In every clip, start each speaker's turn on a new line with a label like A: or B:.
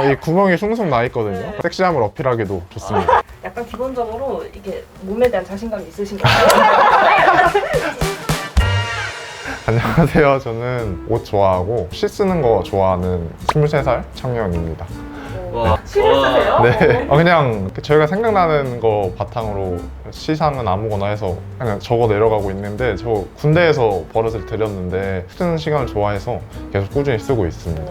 A: 이 구멍이 숭숭 나 있거든요. 섹시함을 어필하기도 좋습니다.
B: 약간 기본적으로 이게 몸에 대한 자신감이 있으신 가요?
A: 안녕하세요. 저는 옷 좋아하고 시 쓰는 거 좋아하는 23살 청년입니다.
C: 와.
B: 시를 쓰세요?
A: 네. 그냥 저희가 생각나는 거 바탕으로 시상은 아무거나 해서 그냥 적어 내려가고 있는데, 저 군대에서 버릇을 들였는데 쓰는 시간을 좋아해서 계속 꾸준히 쓰고 있습니다.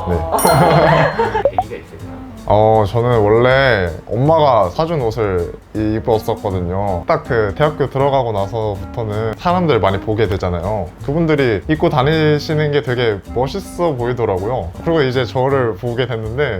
A: 네.
C: 계기가 있을까요?
A: 저는 원래 엄마가 사준 옷을 입었었거든요. 딱 그 대학교 들어가고 나서부터는 사람들 많이 보게 되잖아요. 그분들이 입고 다니시는 게 되게 멋있어 보이더라고요. 그리고 이제 저를 보게 됐는데,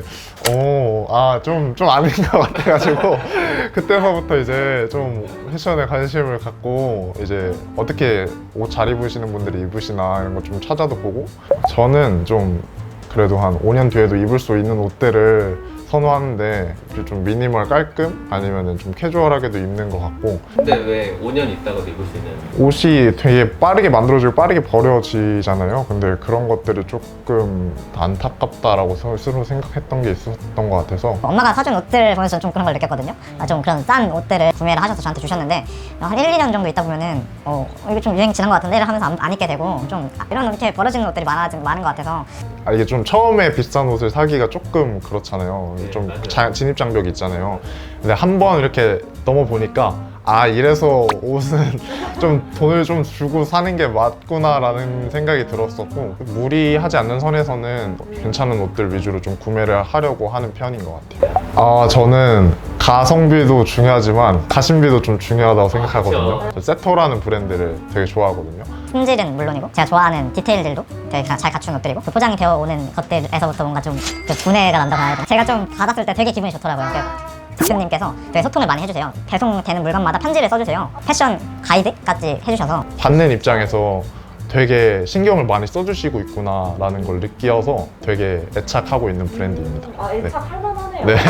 A: 좀 아닌 것 같아가지고, 그때서부터 이제 좀 패션에 관심을 갖고, 이제 어떻게 옷 잘 입으시는 분들이 입으시나 이런 거 좀 찾아도 보고, 저는 좀 그래도 한 5년 뒤에도 입을 수 있는 옷들을 선호하는데, 좀 미니멀 깔끔? 아니면 좀 캐주얼하게도 입는 것 같고.
C: 근데 왜 5년 있다가도 입을 수 있는?
A: 옷이 되게 빠르게 만들어지고 빠르게 버려지잖아요. 근데 그런 것들이 조금 안타깝다라고 스스로 생각했던 게 있었던 것 같아서.
D: 엄마가 사준 옷들 보면서 좀 그런 걸 느꼈거든요. 좀 그런 싼 옷들을 구매를 하셔서 저한테 주셨는데, 한 1, 2년 정도 있다 보면은 이거 좀 유행 지난 것 같은데 하면서 안 입게 되고, 좀 이런 이렇게 버려지는 옷들이 많은 것 같아서.
A: 이게 좀 처음에 비싼 옷을 사기가 조금 그렇잖아요.
C: 네,
A: 좀
C: 맞아요.
A: 진입 장벽이 있잖아요. 근데 한 번 이렇게 넘어보니까, 이래서 옷은 좀 돈을 좀 주고 사는 게 맞구나라는 생각이 들었었고, 무리하지 않는 선에서는 괜찮은 옷들 위주로 좀 구매를 하려고 하는 편인 것 같아요. 저는 가성비도 중요하지만 가심비도 좀 중요하다고 생각하거든요. 저 세토라는 브랜드를 되게 좋아하거든요.
D: 품질은 물론이고 제가 좋아하는 디테일들도 되게 잘 갖춘 옷들이고, 그 포장이 되어 오는 것들에서부터 뭔가 좀 분해가 난다고 해야 되나? 제가 좀 받았을 때 되게 기분이 좋더라고요. 대표님께서 되게 소통을 많이 해주세요. 배송되는 물건마다 편지를 써주세요. 패션 가이드까지 해주셔서.
A: 받는 입장에서 되게 신경을 많이 써주시고 있구나라는 걸 느껴서 되게 애착하고 있는 브랜드입니다.
B: 애착할 만하네요.
A: 네.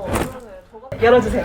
B: 열어주세요.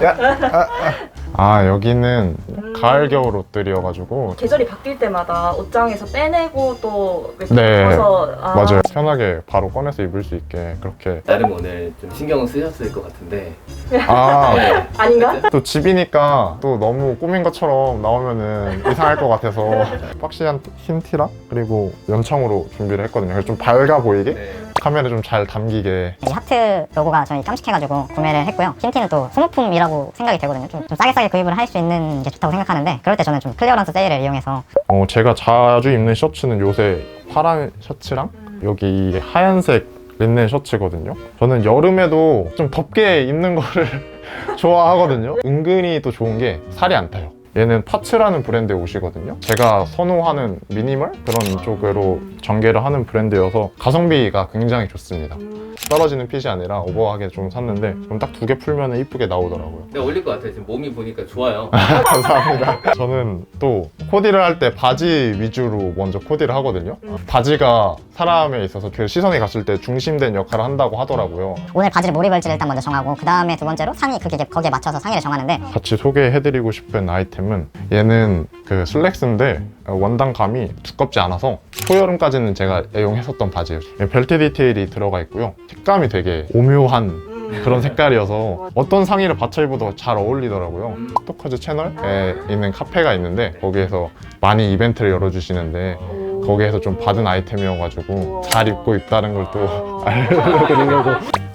A: 여기는 가을 겨울 옷들이어가지고.
B: 계절이 바뀔 때마다 옷장에서 빼내고 또
A: 네,
B: 입어서
A: 맞아요. 편하게 바로 꺼내서 입을 수 있게 그렇게.
C: 나름 오늘 좀 신경을 쓰셨을 것 같은데.
A: 네.
B: 아닌가?
A: 또 집이니까 또 너무 꾸민 것처럼 나오면은 이상할 것 같아서 박시한 흰 티랑 그리고 연청으로 준비를 했거든요. 그래서 좀 밝아 보이게,
C: 네.
A: 카메라 좀 잘 담기게.
D: 이 하트 로고가 저희 깜찍해가지고 구매를 했고요. 흰티는 또 소모품이라고 생각이 되거든요. 좀 싸게 구입을 할 수 있는 게 좋다고 생각하는데, 그럴 때 저는 좀 클리어런스 세일을 이용해서.
A: 제가 자주 입는 셔츠는 요새 파란 셔츠랑 여기 이 하얀색 린넨 셔츠거든요. 저는 여름에도 좀 덥게 입는 거를 좋아하거든요. 은근히 또 좋은 게 살이 안 타요. 얘는 파츠라는 브랜드의 옷이거든요. 제가 선호하는 미니멀 그런 쪽으로 전개를 하는 브랜드여서 가성비가 굉장히 좋습니다. 떨어지는 핏이 아니라 오버하게 좀 샀는데, 그럼 딱 2개 풀면 이쁘게 나오더라고요.
C: 근데 어울릴 것 같아요. 지금 몸이 보니까 좋아요.
A: 감사합니다. 저는 또 코디를 할 때 바지 위주로 먼저 코디를 하거든요. 바지가 사람에 있어서 그 시선이 갔을 때 중심된 역할을 한다고 하더라고요.
D: 오늘 바지를 뭘 입을지를 일단 먼저 정하고, 그 다음에 두 번째로 상의, 거기에 맞춰서 상의를 정하는데.
A: 같이 소개해드리고 싶은 아이템은, 얘는 그 슬랙스인데 원단감이 두껍지 않아서 초여름까지는 제가 애용했었던 바지예요. 벨트 디테일이 들어가 있고요. 색감이 되게 오묘한 그런 색깔이어서 어떤 상의를 받쳐 입어도 잘 어울리더라고요. 스토커즈 채널에 있는 카페가 있는데, 거기에서 많이 이벤트를 열어주시는데, 거기에서 좀 받은 아이템이어가지고 잘 입고 있다는 걸 또 알려드리려고.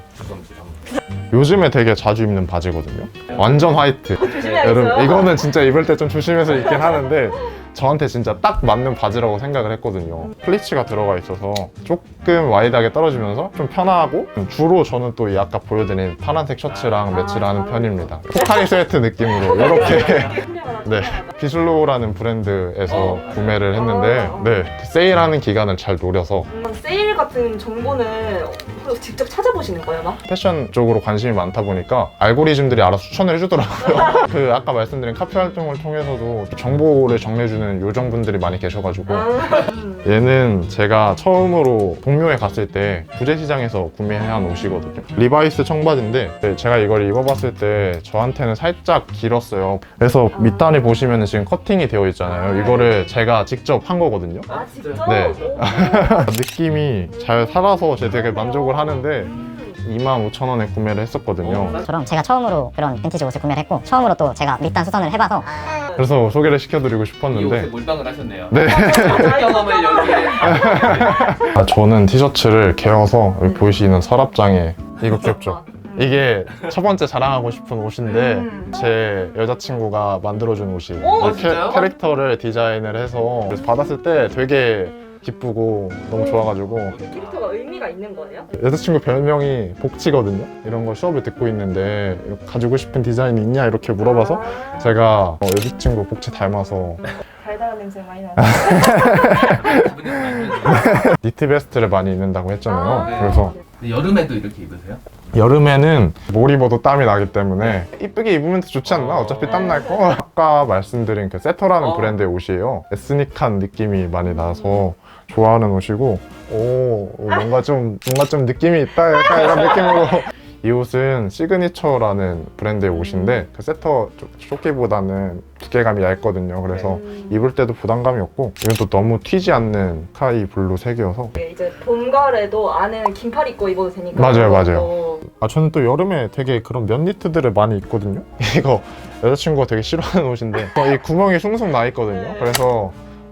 A: 요즘에 되게 자주 입는 바지거든요. 완전 화이트.
B: 조심해야겠어요.
A: 여러분, 이거는 진짜 입을 때 좀 조심해서 입긴 하는데, 저한테 진짜 딱 맞는 바지라고 생각을 했거든요. 플리츠가 들어가 있어서 조금 와이드하게 떨어지면서 좀 편하고, 주로 저는 또 이 아까 보여드린 파란색 셔츠랑 매치를 하는 편입니다. 포카리 스웨트 느낌으로 이렇게. 네, 비슬로우라는 브랜드에서 구매를 했는데, 네, 그 세일하는 기간을 잘 노려서.
B: 세일 같은 정보는 직접 찾아보시는 거예요, 막?
A: 패션 쪽으로 관심이 많다 보니까 알고리즘들이 알아서 추천을 해주더라고요. 그 아까 말씀드린 카페 활동을 통해서도 정보를 정리해주는 요정분들이 많이 계셔가지고. 얘는 제가 처음으로 동묘에 갔을 때 부재시장에서 구매한 옷이거든요. 리바이스 청바지인데, 제가 이걸 입어봤을 때 저한테는 살짝 길었어요. 그래서 밑단에 보시면 지금 커팅이 되어 있잖아요. 이거를 제가 직접 한 거거든요.
B: 진짜?
A: 네. 느낌이 잘 살아서 제가 되게 만족을 하는데, 25,000원에 구매를 했었거든요.
D: 저럼 제가 처음으로 그런 빈티지 옷을 구매를 했고 처음으로 또 제가 밑단 수선을 해봐서
A: 그래서 소개를 시켜드리고
C: 이 옷에
A: 싶었는데
C: 몰빵을 하셨네요.
A: 네.
C: 경험을 여기에.
A: 저는 티셔츠를 개어서 여기 보이시는 서랍장에 이거 귀엽죠? 이게 첫 번째 자랑하고 싶은 옷인데 제 여자친구가 만들어준 옷이에요.
C: 오,
A: 이
C: 진짜요?
A: 캐릭터를 디자인을 해서 그래서 받았을 때 되게 기쁘고 너무 좋아가지고
B: 캐릭터가 의미가 있는 거예요?
A: 여자친구 별명이 복지거든요. 이런 거 수업을 듣고 있는데 가지고 싶은 디자인이 있냐 이렇게 물어봐서 제가 여자친구 복지 닮아서
B: 달달한 냄새 많이 나요.
C: 기분이 좀 안 좋으세요?
A: 니트 베스트를 많이 입는다고 했잖아요.
B: 아,
C: 네.
A: 그래서
C: 근데 여름에도 이렇게 입으세요?
A: 여름에는 뭘 입어도 땀이 나기 때문에 이쁘게 입으면 더 좋지 않나? 어차피 땀 날 거. 아까 말씀드린 그 세터라는 브랜드의 옷이에요. 에스닉한 느낌이 많이 나서 좋아하는 옷이고, 오 뭔가 좀 느낌이 있다 약간 이런 느낌으로. 이 옷은 시그니처라는 브랜드의 옷인데 그 세터 조끼보다는 두께감이 얇거든요. 그래서 입을 때도 부담감이 없고 이건 또 너무 튀지 않는 스카이 블루 색이어서
B: 이제 봄가을에도 안에는 긴팔 입고 입어도 되니까.
A: 맞아요, 맞아요.
B: 또
A: 저는 또 여름에 되게 그런 면 니트들을 많이 입거든요. 이거 여자친구가 되게 싫어하는 옷인데 이 구멍이 숭숭 나 있거든요. 그래서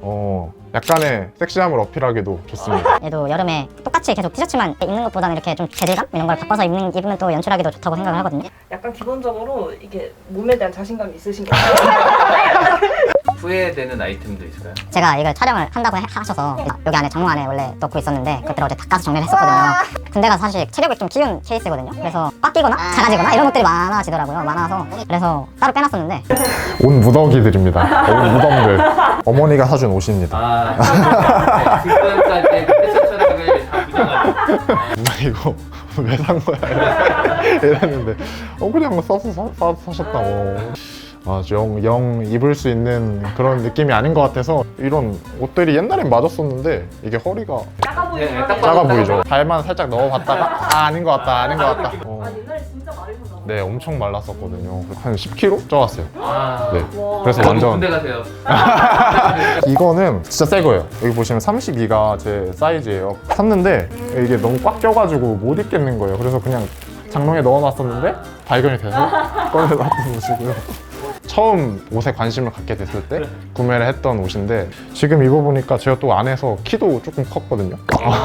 A: 약간의 섹시함을 어필하기도 좋습니다.
D: 얘도 여름에 똑같이 계속 티셔츠만 입는 것보다는 이렇게 좀 재질감 이런 걸 바꿔서 입으면 또 연출하기도 좋다고 생각을 하거든요.
B: 약간 기본적으로 이게 몸에 대한 자신감이 있으신 것 같아요.
C: 후회되는 아이템도 있을까요?
D: 제가 이걸 촬영을 한다고 하셔서 여기 안에 장롱 안에 원래 넣고 있었는데 그때를 어제 닦아서 정리를 했었거든요. 군대가 사실 체력이 좀 키운 케이스거든요. 그래서 꽉 끼거나 작아지거나 이런 것들이 많아지더라고요. 많아서 그래서 따로 빼놨었는데
A: 옷 무더기들입니다. 옷 무덤들. 어머니가 사준 옷입니다.
C: 아, 지금까지 패션 촬영을 다 부정하고.
A: 누나 이거 왜 산 거야? 이랬는데 그냥 써서 사셨다고. 영 입을 수 있는 그런 느낌이 아닌 것 같아서 이런 옷들이 옛날엔 맞았었는데 이게 허리가
B: 작아 보이긴
C: 네,
B: 하네요.
C: 딱
A: 작아 보이죠? 발만 살짝 넣어봤다가 아닌 것 같다 아닌 것 같다.
B: 아, 옛날에 진짜 마르셨나 봐요.
A: 네, 엄청 말랐었거든요. 한 10kg 쪄왔어요.
C: 아,
A: 네.
B: 와.
A: 그래서
C: 저도
A: 완전
C: 군대 가세요.
A: 이거는 진짜 새 거예요. 여기 보시면 32가 제 사이즈예요. 샀는데 이게 너무 꽉 껴가지고 못 입겠는 거예요. 그래서 그냥 장롱에 넣어놨었는데 발견이 돼서 꺼내놨던 옷이고요. 처음 옷에 관심을 갖게 됐을 때 구매를 했던 옷인데 지금 입어보니까 제가 또 안에서 키도 조금 컸거든요.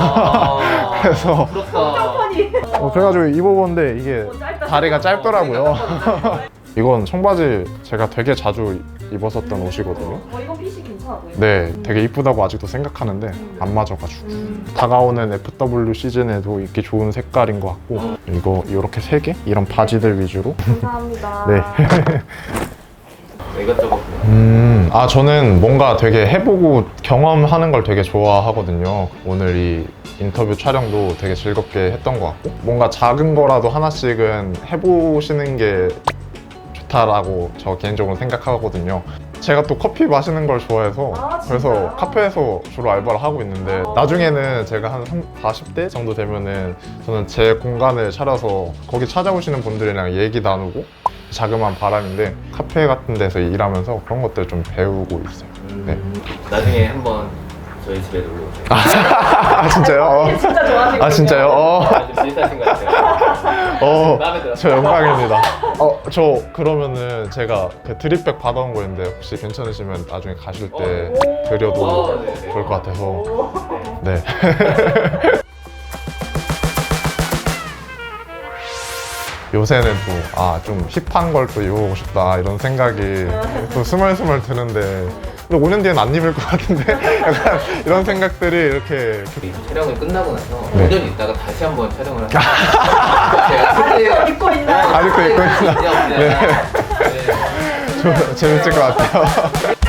C: 아,
A: 그래서
C: 부럽다.
A: 그래가지고 입어봤는데 이게 다리가 짧더라고요. 이건 청바지 제가 되게 자주 입었었던 옷이거든요.
B: 이건 핏이 괜찮아 보여요.
A: 네, 되게 이쁘다고 아직도 생각하는데 안 맞아가지고 다가오는 FW 시즌에도 입기 좋은 색깔인 것 같고 이거 이렇게 3개? 이런 바지들 위주로
B: 감사합니다.
A: 네.
C: 이것저것.
A: 저는 뭔가 되게 해보고 경험하는 걸 되게 좋아하거든요. 오늘 이 인터뷰 촬영도 되게 즐겁게 했던 것 같고 뭔가 작은 거라도 하나씩은 해보시는 게 좋다라고 저 개인적으로 생각하거든요. 제가 또 커피 마시는 걸 좋아해서 그래서 카페에서 주로 알바를 하고 있는데 나중에는 제가 한 40대 정도 되면은 저는 제 공간을 차려서 거기 찾아오시는 분들이랑 얘기 나누고 자그마한 바람인데 카페 같은 데서 일하면서 그런 것들 좀 배우고 있어요. 네.
C: 나중에 한번 저희 집에 놀러 오세요.
A: 진짜요?
B: 진짜 좋아하시거든요.
A: 진짜요?
C: 아주 비슷하신 것 같아요. 마음에 들었어요.
A: 저 영광입니다. 저 그러면은 제가 그 드립백 받아온 거였는데 혹시 괜찮으시면 나중에 가실 때 드려도
C: 네.
A: 좋을 것 같아서 네. 요새는 또 좀 힙한 걸 또 입어보고 싶다 이런 생각이 또 스멀스멀 드는데 근데 5년 뒤엔 안 입을 것 같은데 약간 이런 생각들이 이렇게
C: 이 촬영을 끝나고 나서
A: 네.
C: 5년 있다가 다시 한번 촬영을 하세요. 제가 그때
B: 입고 있나?
A: 아직도 입고 있나?
C: 네.
A: 재밌을 것 같아요.